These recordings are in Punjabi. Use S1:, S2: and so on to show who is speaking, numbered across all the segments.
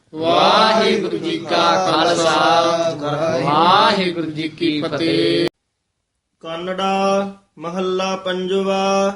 S1: ਵਾਹਿਗੁਰੂ ਜੀ ਕਾ ਖਾਲਸਾ ਵਾਹਿਗੁਰੂ ਜੀ ਕੀ ਫਤਿਹ।
S2: ਕਾਨੜਾ ਮਹੱਲਾ ਪੰਜਵਾ।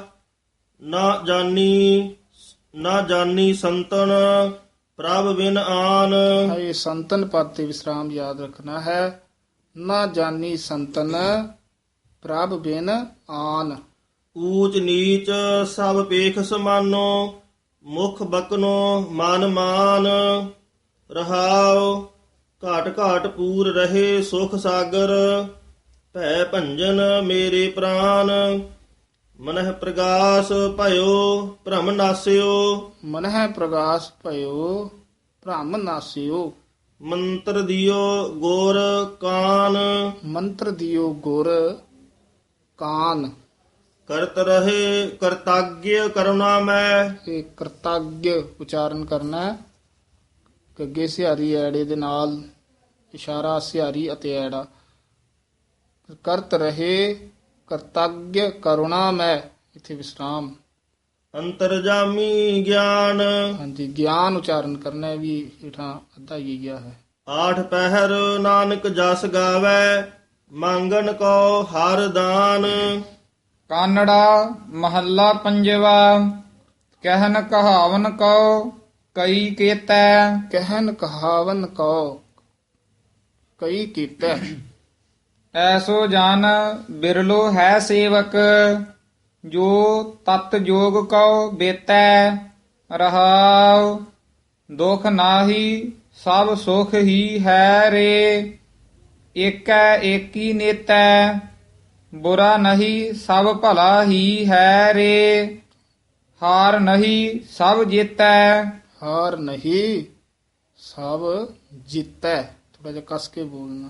S2: ਨਾ ਜਾਣੀ ਸੰਤਨ ਪ੍ਰਭ ਬਿਨ ਆਨ।
S1: ਇਹ ਸੰਤਨ ਪਦ ਤੇ ਵਿਸਰਾਮ ਯਾਦ ਰੱਖਣਾ ਹੈ। ਨਾ ਜਾਣੀ ਸੰਤਨ ਪ੍ਰਭ ਬਿਨ ਆਨ।
S2: ਊਚ ਨੀਚ ਸਭ ਪੇਖ ਸਮਾਨੋ ਮੁਖ ਬਕਨੋ ਮਨ ਮਾਨ। ਰਹਾਉ ਘਾਟ ਘਾਟ ਪੂਰ ਰਹੇ ਸੁਖ ਸਾਗਰ ਭੈ ਭੰਜਨ ਮੇਰੇ ਪ੍ਰਾਨ। ਮਨਹਿ ਪ੍ਰਗਾਸ ਭਇਓ ਭ੍ਰਮ ਨਾਸਿਓ
S1: ਮਨਹਿ ਪ੍ਰਗਾਸ ਭਇਓ ਭ੍ਰਮ ਨਾਸਿਓ।
S2: ਮੰਤਰ ਦਿਓ ਗੁਰ ਕਾਨ।
S1: ਮੰਤਰ ਦਿਓ ਗੁਰ ਕਾਨ।
S2: ਕਰਤ ਰਹੇ ਕਰਤਾਗ੍ਯ ਕਰੁਣਾ ਮੈਂ।
S1: ਇਹ ਕਰਤੱਗ ਉਚਾਰਨ ਕਰਨਾ ਹੈ। ਗੱਗੇ ਸਿਹਾਰੀ ਐੜੇ ਦੇ ਨਾਲ ਇਸ਼ਾਰਾ ਸਿਹਾਰੀ ਅਤੇ ਐੜਾ। ਕਰਤ ਰਹੇ ਕਰਤੱਗ ਕਰੁਣਾ ਮੈਂ ਇਥੇ ਵਿਸਰਾਮ।
S2: ਅੰਤਰਜਾਮੀ ਗਿਆਨ।
S1: ਹਾਂਜੀ ਗਿਆਨ ਉਚਾਰਨ ਕਰਨਾ ਹੈ ਵੀ ਹੇਠਾਂ ਅੱਧਾ ਹੀ ਗਿਆ ਹੈ।
S2: ਆਠ ਪਹਿਰ ਨਾਨਕ ਜਸ ਗਾਵੇ ਮੰਗਣ ਕੋ ਹਰ ਦਾਨ।
S3: ਕਾਨੜਾ ਮਹੱਲਾ ਪੰਜਵਾ। ਕਹਿਨ ਕਹਾਵਨ ਕਉ ਕਈ ਕੇਤੈ।
S1: ਕਹਿਨ ਕਹਾਵਨ ਕਉ ਕਈ ਕੀਤਾ।
S3: ਐਸੋ ਜਨ ਬਿਰਲੋ ਹੈ ਸੇਵਕ ਜੋ ਤਤ ਜੋਗ ਕਉ ਬੇਤੈ। ਰਹਾਉ ਦੁਖ ਨਾਹੀ ਸਭ ਸੁਖ ਹੀ ਹੈ ਰੇ। ਏਕੈ ਏਕੀ ਨੇਤੈ ਬੁਰਾ ਨਹੀਂ ਸਭ ਭਲਾ ਹੀ ਹੈ ਰੇ। ਹਾਰ ਨਹੀਂ ਸਭ ਜੀਤੈ।
S1: ਹਾਰ ਨਹੀਂ ਸਭ ਜਿੱਤੈ। ਥੋੜਾ ਜਿਹਾ ਕਸ ਕੇ ਬੋਲਣਾ।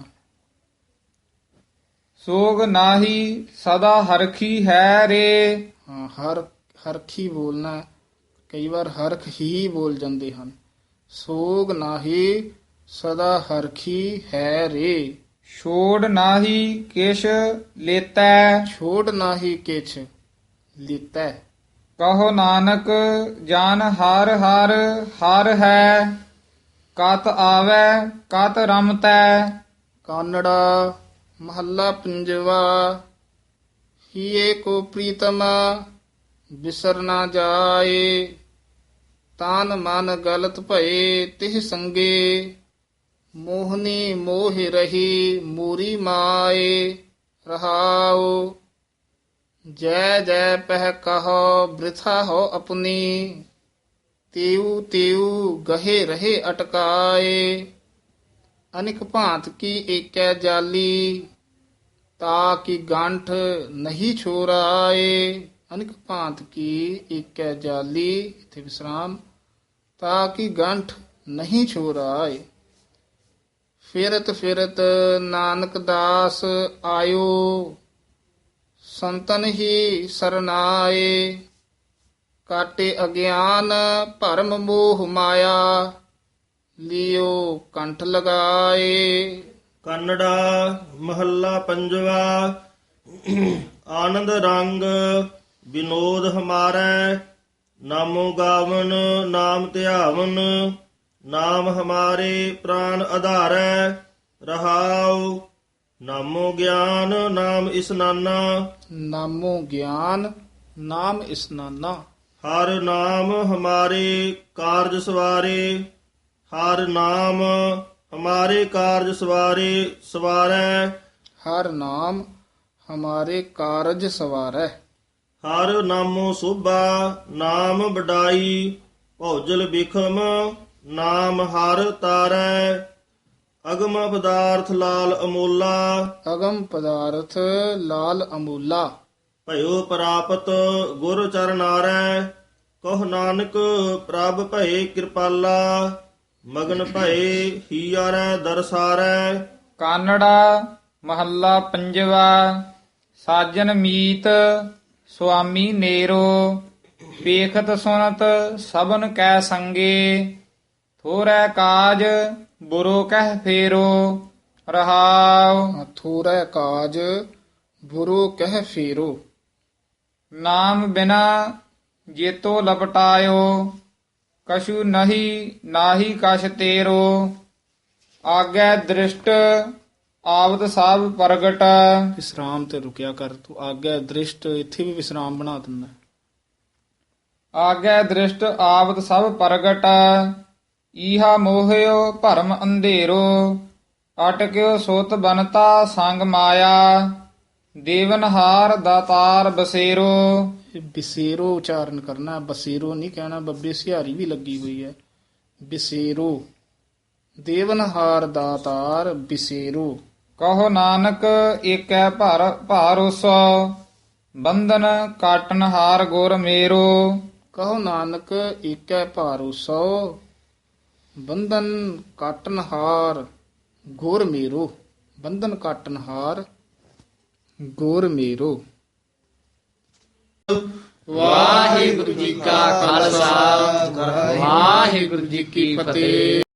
S3: ਸੋਗ ਨਾਹੀ ਸਦਾ ਹਰਖੀ ਹੈ ਰੇ।
S1: ਹਾਂ ਹਰਖੀ ਬੋਲਣਾ ਹੈ। ਕਈ ਵਾਰ ਹਰਖ ਹੀ ਬੋਲ ਜਾਂਦੇ ਹਨ। ਸੋਗ ਨਾਹੀ ਸਦਾ ਹਰਖੀ ਹੈ ਰੇ।
S3: ਛੋੜ ਨਾਹੀ ਕਿਛ ਲੇਤੈ।
S1: ਛੋੜ ਨਾਹੀ ਕਿਛ ਲੀਤੈ।
S3: ਕਹੋ ਨਾਨਕ ਜਾਨ ਹਰ ਹਰ ਹਰ ਹੈ। ਕਤ ਆਵੈ ਕਤ ਰਮਤੈ।
S1: ਕਾਨੜਾ ਮਹੱਲਾ ਪੰਜਵਾ। ਹੀਏ ਕੋ ਪ੍ਰੀਤਮ ਬਿਸਰ ਨਾ ਜਾਏ। ਤਾਨ ਮਨ ਗਲਤ ਭਏ ਤਿਹ ਸੰਗੇ। ਮੋਹਨੀ ਮੋਹ ਰਹੀ ਮੂਰੀ ਮਾਏ। ਰਹਾਉ ਜੈ ਜੈ ਪਹਿ ਕਹੋ ਬ੍ਰਿਥਾ ਹੋ ਆਪਣੀ। ਤਿਉ ਤਿਉ ਗਹੇ ਰਹੇ ਅਟਕਾਏ। ਅਨਿਕ ਭਾਂਤ ਕੀ ਏਕੈ ਜਾਲੀ ਤਾ ਕੀ ਗੰਠ ਨਹੀਂ ਛੋਰਾਏ। ਅਨਿਕ ਭਾਂਤ ਕੀ ਏਕੈ ਜਾਲੀ ਇਥੇ ਵਿਸਰਾਮ ਤਾ ਕੀ ਗੰਠ ਨਹੀਂ ਛੋਰਾਏ। ਫਿਰਤ ਫਿਰਤ ਨਾਨਕ ਦਾਸ ਆਇਓ ਸੰਤਨ ਹੀ ਸਰਨਾਏ। ਕਾਟੇ ਅਗਿਆਨ ਭਰਮ ਮੋਹ ਮਾਇਆ ਲਿਓ ਕੰਠ ਲਗਾਏ।
S2: ਕਾਨੜਾ ਮਹੱਲਾ ਪੰਜਵਾ। ਆਨੰਦ ਰੰਗ ਵਿਨੋਦ ਹਮਾਰੈ ਨਾਮੋ ਗਾਵਨ ਨਾਮ ਧਿਆਵਨ। ਨਾਮ ਹਮਾਰੇ ਪ੍ਰਾਨ ਆਧਾਰੈ। ਰਹਾਉ ਨਾਮੋ ਗਿਆਨ ਨਾਮ ਇਸਨਾਨਾ।
S1: ਨਾਮੋ ਗਿਆਨ ਨਾਮ ਇਸਨਾਨਾ।
S2: ਹਰ ਨਾਮ ਹਮਾਰੇ ਕਾਰਜ ਸਵਾਰੇ। ਹਰ ਨਾਮ ਹਮਾਰੇ ਕਾਰਜ ਸਵਾਰੈ।
S1: ਹਰ ਨਾਮ ਹਮਾਰੇ ਕਾਰਜ ਸਵਾਰੈ।
S2: ਹਰ ਨਾਮੋ ਸੋਭਾ ਨਾਮ ਵਡਾਈ। ਭੌਜਲ ਬਿਖਮ ਨਾਮ ਹਰ ਤਾਰੈ। ਅਗਮ ਪਦਾਰਥ ਲਾਲ ਅਮੋਲਾ।
S1: ਅਗਮ ਪਦਾਰਥ ਲਾਲ ਅਮੂਲਾ।
S2: ਭਇਓ ਪ੍ਰਾਪਤ ਗੁਰ ਚਰਨਾਰੈ। ਕਹੁ ਨਾਨਕ ਪ੍ਰਭ ਭਏ ਕਿਰਪਾਲਾ। ਮਗਨ ਭਏ ਹੀਆਰੈ ਦਰਸਾਰੈ।
S3: ਕਾਨੜਾ ਮਹੱਲਾ ਪੰਜਵਾ। ਸਾਜਨ ਮੀਤ ਸੁਆਮੀ ਨੇਰੋ। ਵੇਖਤ ਸੁਨਤ ਸਭਨ ਕੈ ਸੰਗੇ। ਥੋਰੈ ਕਾਜ ਬੁਰੋ ਕਹਿ ਫੇਰੋ। ਰਹਾਉ
S1: ਥੋਰੈ ਕਾਜ ਬੁਰੋ ਕਹਿ ਫੇਰੋ।
S3: ਨਾਮ ਬਿਨਾ ਜੇਤੋ ਲਪਟਾਇਓ ਕਛੂ ਨਹੀਂ ਨਾਹੀ ਕਛ ਤੇਰੋ ਆਗੈ ਦ੍ਰਿਸ਼ਟ ਆਵਤ ਸਭ ਪ੍ਰਗਟ
S1: ਵਿਸਰਾਮ ਤੇ ਰੁਕਿਆ ਕਰ ਤੂੰ ਆਗਿਆ ਦ੍ਰਿਸ਼ਟ ਇੱਥੇ ਵੀ ਵਿਸਰਾਮ ਬਣਾ ਦਿੰਦਾ
S3: ਆਗੈ ਦ੍ਰਿਸ਼ਟ ਆਵਤ ਸਭ ਪ੍ਰਗਟ ਈਹਾ ਮੋਹਿਓ ਭਰਮ ਅੰਧੇਰੋ ਅਟਕਿਓ ਸੁਤ ਬਨਤਾ ਸੰਗ ਮਾਇਆ ਦੇਵਨਹਾਰ ਦਾਤਾਰ ਬਸੇਰੋ
S1: ਇਹ ਬਿਸੇਰੋ ਉਚਾਰਨ ਕਰਨਾ ਬਸੇਰੋ ਨਹੀਂ ਕਹਿਣਾ ਬੱਬੇ ਸਿਹਾਰੀ ਵੀ ਲੱਗੀ ਹੋਈ ਹੈ ਬਿਸੇਰੋ ਦੇਵਨਹਾਰ ਦਾਤਾਰ ਬਿਸੇਰੋ
S3: ਕਹੋ ਨਾਨਕ ਏਕੈ ਭਾਰੋਸੋ ਬੰਧਨ ਕਾਟਨਹਾਰ ਗੁਰ ਮੇਰੋ
S1: ਕਹੋ ਨਾਨਕ ਏਕੈ ਭਾਰੋਸੋ ਬੰਧਨ ਕਾਟਨਹਾਰ ਗੁਰ ਮੇਰੋ ਬੰਧਨ ਕਾਟਨਹਾਰ ਗੁਰ ਮੇਰੋ
S4: ਵਾਹਿਗੁਰੂ ਜੀ ਕਾ ਖਾਲਸਾ ਵਾਹਿਗੁਰੂ ਜੀ ਕੀ ਫਤਿਹ।